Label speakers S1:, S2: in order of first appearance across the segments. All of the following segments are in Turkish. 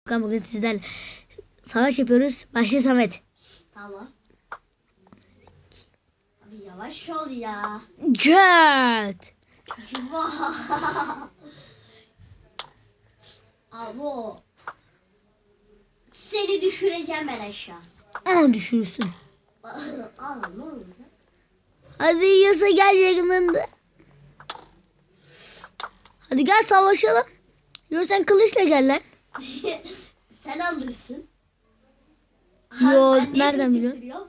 S1: Bugün sizlerle savaş yapıyoruz. Başla Samet.
S2: Tamam. Abi yavaş ol ya.
S1: Jet.
S2: Abo. Seni düşüreceğim ben aşağı.
S1: Aa, düşürürsün.
S2: Aa, ne oldu?
S1: Hadi yasa gel yakınında. Hadi gel savaşalım. Yo sen kılıçla gel lan.
S2: Sen alırsın.
S1: Yo,
S2: Ben niye
S1: nereden biliyorsun?
S2: götürüyorum?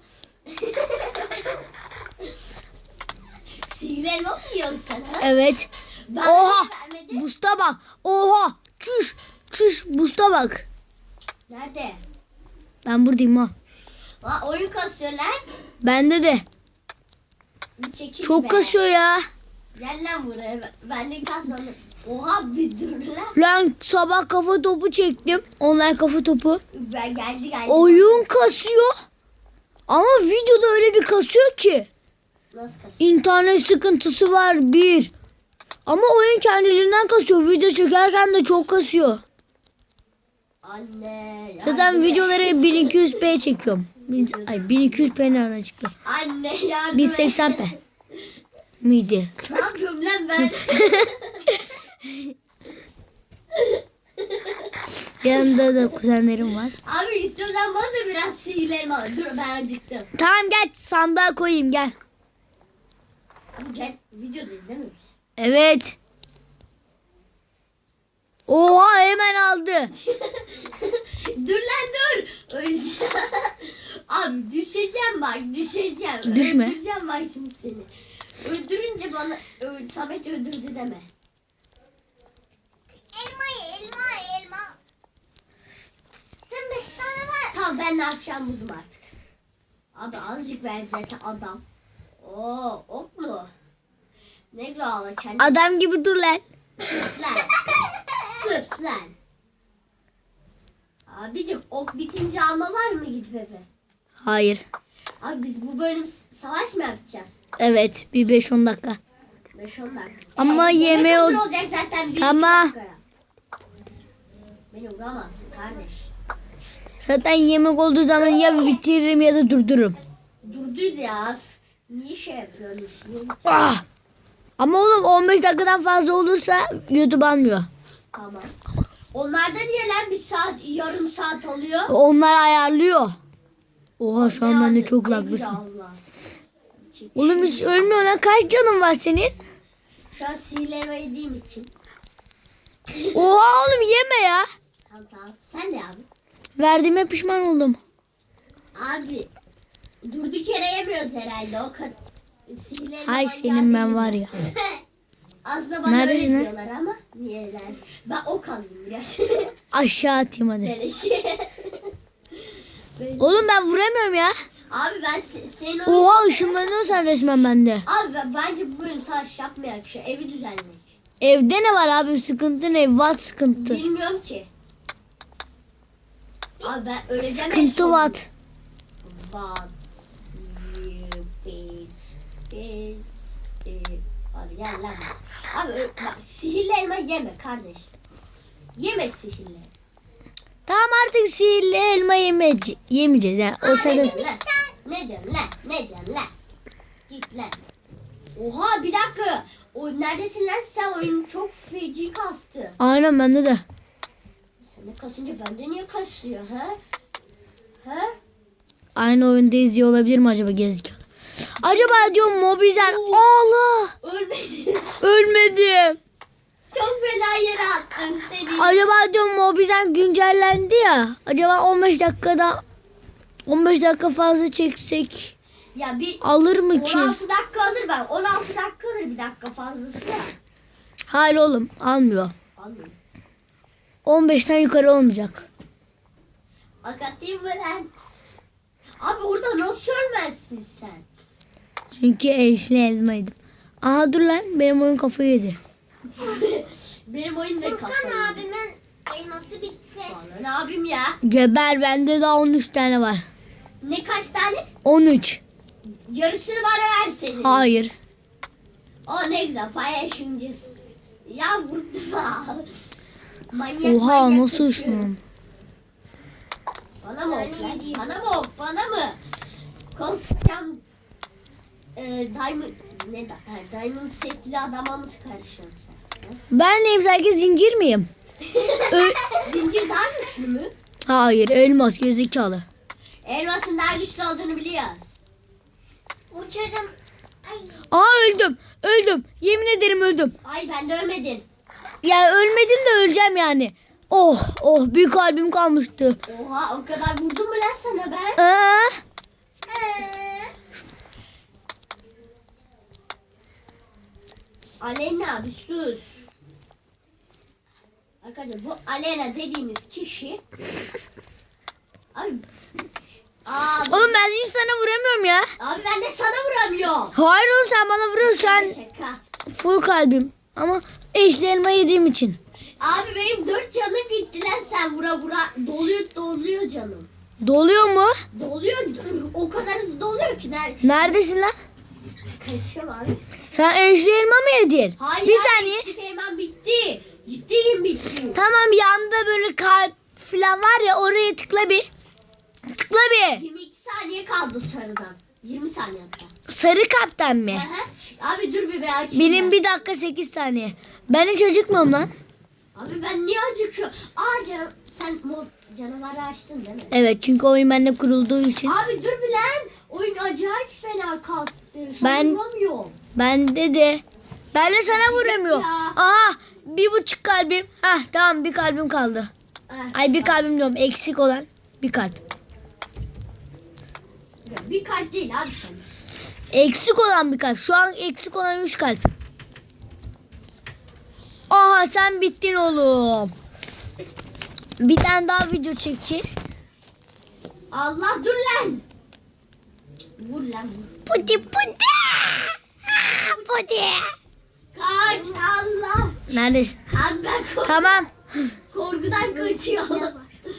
S2: Sihirli elma mı yiyorsun sen ha?
S1: Evet.
S2: Ben
S1: Oha.
S2: vermedim.
S1: Busta bak. Oha. Çüş. Çüş. Busta bak.
S2: Nerede?
S1: Ben buradayım ha.
S2: Aa, oyun kasıyor lan.
S1: Bende de.
S2: Bir çekil
S1: Çok
S2: be.
S1: kasıyor ya.
S2: Gel lan buraya. Ben de kasmadım. Oha bir dur lan.
S1: Lan sabah kafa topu çektim. Online kafa topu.
S2: Ben geldi.
S1: Oyun kasıyor. Ama videoda öyle bir kasıyor ki.
S2: Nasıl kasıyor?
S1: İnternet sıkıntısı var bir. Ama oyun kendiliğinden kasıyor. Video çekerken de çok kasıyor.
S2: Anne.
S1: Zaten
S2: yardım et.
S1: videoları 1200p çekiyorum. 1200p nereden çıktı?
S2: Anne yardım et.
S1: 1080p miydi?
S2: Ne yapıyorum lan ben?
S1: Yanımda da kuzenlerim var.
S2: Abi istiyorsan bana da biraz sihirlerim al. Dur ben acıktım.
S1: Tamam gel sandığa koyayım gel.
S2: Abi gel videoda izlemiyor musun?
S1: Evet. Oha hemen aldı.
S2: Dur lan dur. Öleceğim. Abi düşeceğim bak düşeceğim.
S1: Düşme.
S2: Öldüreceğim bak şimdi seni. Öldürünce bana Samet öldürdü deme. Elma. Sen 5 tane var. Tamam ben ne yapacağım buldum artık. Abi azıcık ver zaten adam. Oo ok mu? Ne güzel kendi.
S1: Adam gibi dur lan.
S2: Sus lan. Sus lan. Abicim ok bitince alma var mı gidip eve?
S1: Hayır.
S2: Abi biz bu bölüm savaş mı yapacağız?
S1: Evet bir 5-10 dakika.
S2: 5-10 dakika.
S1: Ama
S2: yemek
S1: yemeğe
S2: hazır olacak zaten 1-2
S1: Ama-
S2: dakikaya. Beni vuramazsın kardeş.
S1: Zaten yemek olduğu zaman ya bitiririm ya da durdururum.
S2: Durdur ya. Niye şey yapıyorsun?
S1: Ah! Ama oğlum 15 dakikadan fazla olursa YouTube almıyor.
S2: Tamam. Onlarda niye lan bir saat, yarım saat oluyor?
S1: Onlar ayarlıyor. Oha şu an bende
S2: Ne
S1: çok
S2: güzel
S1: laglısın.
S2: Allah.
S1: Oğlum hiç ölmüyor lan. Kaç canın var senin?
S2: Şu an sihirleme yediğim için.
S1: Oha oğlum yeme ya.
S2: Tamam. Sen de abi.
S1: Verdiğime pişman oldum.
S2: Abi. Durduk yere yemiyoruz herhalde. O kadar. Sihirleme
S1: Hay senin ben var ya.
S2: Aslında bana
S1: Neredesin
S2: öyle
S1: lan?
S2: diyorlar ama niyeler? Ben ok alayım biraz.
S1: Aşağı atayım hadi.
S2: Beleşi.
S1: Oğlum ben vuramıyorum ya.
S2: Abi ben senin
S1: Oha ışınlanıyorsan resmen bende.
S2: Abi bence bu bölüm savaş yapmayak. Şu evi düzenleyelim.
S1: Evde ne var abi? Sıkıntı ne? What sıkıntı?
S2: Bilmiyorum ki. Abi ben öleceğim. en
S1: Sıkıntı
S2: sonunda.
S1: what?
S2: What you did. Hadi gel lan. Abi bak sihirli elma yeme kardeş. Yeme sihirli.
S1: Tamam artık sihirli elma yemeyeceğiz. Yani. O
S2: Ne
S1: sırada...
S2: diyorsun lan? Ne diyorsun lan? Ne diyorsun lan? Git lan. Oha bir dakika. O neredesin lan sen? Oyun çok feci kastı.
S1: Aynen bende de.
S2: Sen de kasınca bende niye kasıyor ha? Ha?
S1: Aynı oyunda izliyor olabilir mi acaba gezdik? Acaba diyorum Mobizen. Allah!
S2: Ölmedin.
S1: Ölmedim.
S2: Çok fena yere attım seni.
S1: Acaba diyorum Mobizen güncellendi ya. Acaba 15 dakika fazla çeksek
S2: Ya bir
S1: alır mı ki?
S2: 16 dakika alır ben. 16 dakika alır bir dakika fazlası da.
S1: Hayır oğlum almıyor.
S2: Almıyorum.
S1: 15'ten yukarı olmayacak.
S2: Akatayım mı lan? Abi orada nasıl ölmezsin sen?
S1: Çünkü eşli elmaydım. Aha dur lan benim oyun kafayı yedi.
S2: Benim oyun da kafayı. Furkan abimin elması bitti. Bana ne abim ya?
S1: Geber bende daha 13 tane var.
S2: Ne kaç tane?
S1: 13.
S2: Yarısını bana verseydin.
S1: Hayır.
S2: O ne güzel paylaşımcız. Ya vurdum. Manyak
S1: Oha
S2: manyak
S1: nasıl
S2: kaçıyor.
S1: uçmam?
S2: Bana mı ok lan? Bana mı ok? Bana mı? Konuşacağım. Diamond ne da? Diamond setli adama mı karışıyorsun sen?
S1: Ben neyim, sanki zincir miyim?
S2: Zincir daha güçlü mü?
S1: Hayır, elmas gerizekalı.
S2: Elmasın daha güçlü olduğunu biliyoruz. Uçarım.
S1: Aa, öldüm. Yemin ederim öldüm.
S2: Ay ben de ölmedim.
S1: Yani ölmedim de öleceğim yani. Oh bir kalbim kalmıştı.
S2: Oha o kadar vurdum mu lan sana ben? Aleyna bir sus. Arkadaşlar bu Aleyna dediğimiz kişi. Abi. Abi,
S1: Oğlum ben hiç sana vuramıyorum ya.
S2: abi ben de sana vuramıyorum.
S1: Hayır oğlum, sen bana vuruyorsun. Sen
S2: Şaka.
S1: full kalbim. Ama eşli elma yediğim için.
S2: Abi benim 4 canım gitti lan sen vura doluyor canım.
S1: Doluyor mu?
S2: Doluyor o kadar hızlı doluyor ki
S1: Neredesin lan?
S2: kaçıyorum abi.
S1: Sen eşli elma mı yedin?
S2: Hayır
S1: Bir
S2: abi,
S1: saniye.
S2: içlik hemen bitti. Ciddiyim bitti.
S1: Tamam, yanda böyle kalp falan var ya, oraya tıkla bir. Tıkla bir.
S2: 22 saniye kaldı sarıdan. 20 saniye hatta.
S1: Sarı kalpten mi?
S2: Aha. Abi dur bir açayım.
S1: Benim
S2: ben.
S1: 1 dakika 8 saniye. Ben hiç acıkmam lan.
S2: Abi ben niye acıkıyorum? Canım sen canavarı açtın değil mi?
S1: Evet, çünkü oyun bende kurulduğu için.
S2: Abi dur bir lan. Oyun acayip fena kastı.
S1: Ben-
S2: Vuramıyorum.
S1: Bende de. Ben de sana vuramıyorum.
S2: Ya.
S1: Aha, 1,5 kalbim. Hah, tamam, bir kalbim kaldı. Ay, bir kalbim diyorum, eksik olan bir kalp.
S2: Bir kalp değil abi sen.
S1: Eksik olan bir kalp. Şu an eksik olan 3 kalp. Aha, sen bittin oğlum. Bir tane daha video çekeceğiz.
S2: Allah dur lan. Vur lan vur.
S1: Pudi. Pudi.
S2: Kaç Allah.
S1: Neredesin?
S2: Abi ben
S1: Tamam.
S2: korkudan kaçıyorum.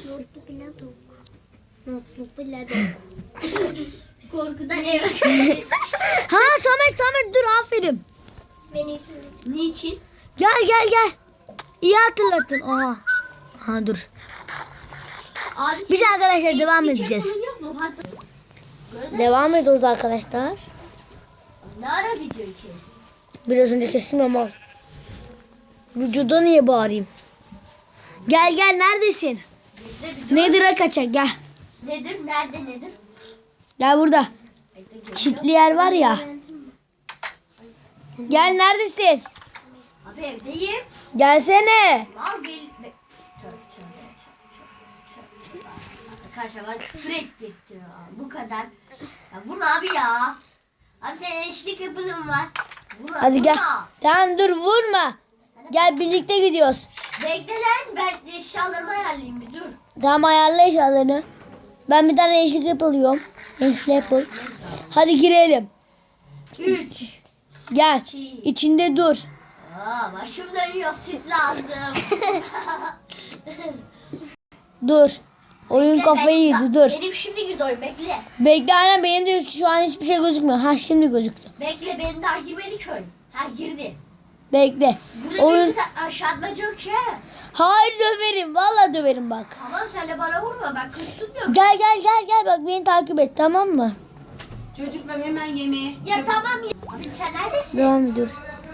S2: Korkudan eve
S1: Ha, Samet dur, aferin.
S2: Niçin?
S1: Gel. İyi hatırlattın. Aha dur.
S2: Abi
S1: Biz
S2: senin
S1: arkadaşlar devam
S2: eksik
S1: edeceğiz.
S2: yapımın Yok mu? Hatta...
S1: Devam ediyoruz arkadaşlar.
S2: Ne ara video kes?
S1: Biraz önce kestim ama vücuda niye bağırayım? Gel neredesin? Nedir'e kaçak, gel.
S2: Nedir? Nerede nedir?
S1: Gel burada.
S2: Bekle, geliyorum.
S1: Çitli yer var ya. Gel, neredesin?
S2: Abi evdeyim.
S1: Gelsene.
S2: Al gel. Tövbe. Arkadaşlar ben küfür ettirdim. Bu kadar. Ya vurma abi ya. Abi senin eşlik yapılım var. Vurma,
S1: Hadi gel.
S2: vurma.
S1: Tamam, dur, vurma. Gel, birlikte gidiyoruz.
S2: Bekle lan ben eşyalarımı ayarlayayım bir dur.
S1: Tamam, ayarla eşyalarını. Ben bir tane eşlik yapıyorum. Eşlik yapıl. Hadi girelim.
S2: 3.
S1: Gel. İçinde dur.
S2: Başım dönüyor süt lazım.
S1: Dur. Oyun kafayı yedi, dur.
S2: Benim şimdi girdi oyun bekle.
S1: Bekle, aynen, benim de şu an hiçbir şey gözükmüyor. Ha, şimdi gözüktü.
S2: Bekle benim daha girmedi ki oyun. Ha girdi.
S1: Bekle.
S2: Burada
S1: Oyun.
S2: bir aşağıda yok ki.
S1: Hayır, döverim. Vallahi döverim bak.
S2: Tamam sen de bana vurma ben kaçtım.
S1: Gel bak, beni takip et, tamam mı?
S3: Çocuklar hemen yemeğe.
S2: Ya tamam ya. Abi sen neredesin?
S1: Devam ediyoruz.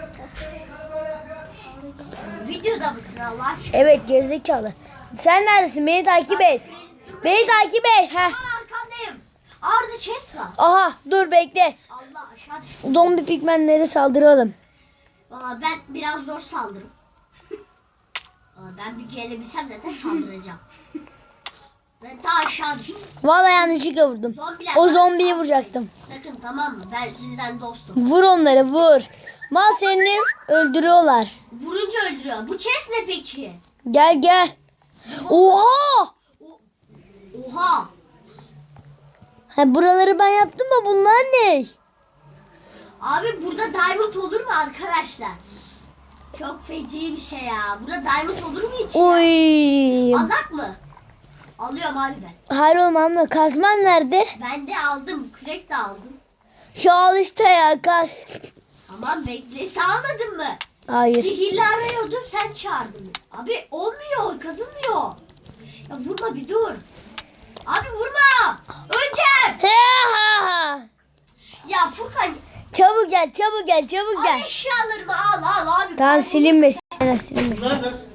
S2: Videoda mısın Allah aşkına?
S1: Evet, gerizekalı. Sen neredesin? Beni takip et. Beni takip et. Heh.
S2: Tamam arkandayım. Orada chest var.
S1: Aha, dur, bekle.
S2: Allah aşağı düştüm.
S1: Zombi pigmenlere saldıralım.
S2: Valla ben biraz zor saldırım. Valla ben bir gelebilsem de saldıracağım. Ben ta aşağı düştüm.
S1: Vallahi yanlışlıkla vurdum.
S2: Zombiler
S1: O
S2: bana
S1: zombiyi
S2: saldırmayın.
S1: vuracaktım.
S2: Sakın tamam mı? Ben sizden dostum.
S1: Vur onları, vur. Mal seni öldürüyorlar.
S2: Vurunca öldürüyor. Bu chest ne peki?
S1: Gel. Oha!
S2: Oha!
S1: Ha, buraları ben yaptım da bunlar ne?
S2: Abi burada diamond olur mu arkadaşlar? Çok feci bir şey ya. Burada diamond olur mu hiç?
S1: Oy.
S2: Alak mı? Alıyorum abi ben.
S1: Hayır oğlum, ama kazman nerede?
S2: Ben de aldım. Kürek de aldım.
S1: Şu al işte ya, kaz.
S2: Tamam bekle. Sen almadın mı?
S1: Hayır.
S2: Sihirli arıyordum sen çağırdın. Abi olmuyor. Kazınmıyor. Ya vurma bir dur. ya Furkan.
S1: Çabuk gel, çabuk gel, çabuk
S2: Al
S1: gel.
S2: eşyalarımı al abi.
S1: Tamam silinmesin. Silinmesin.
S4: Bunlar ne?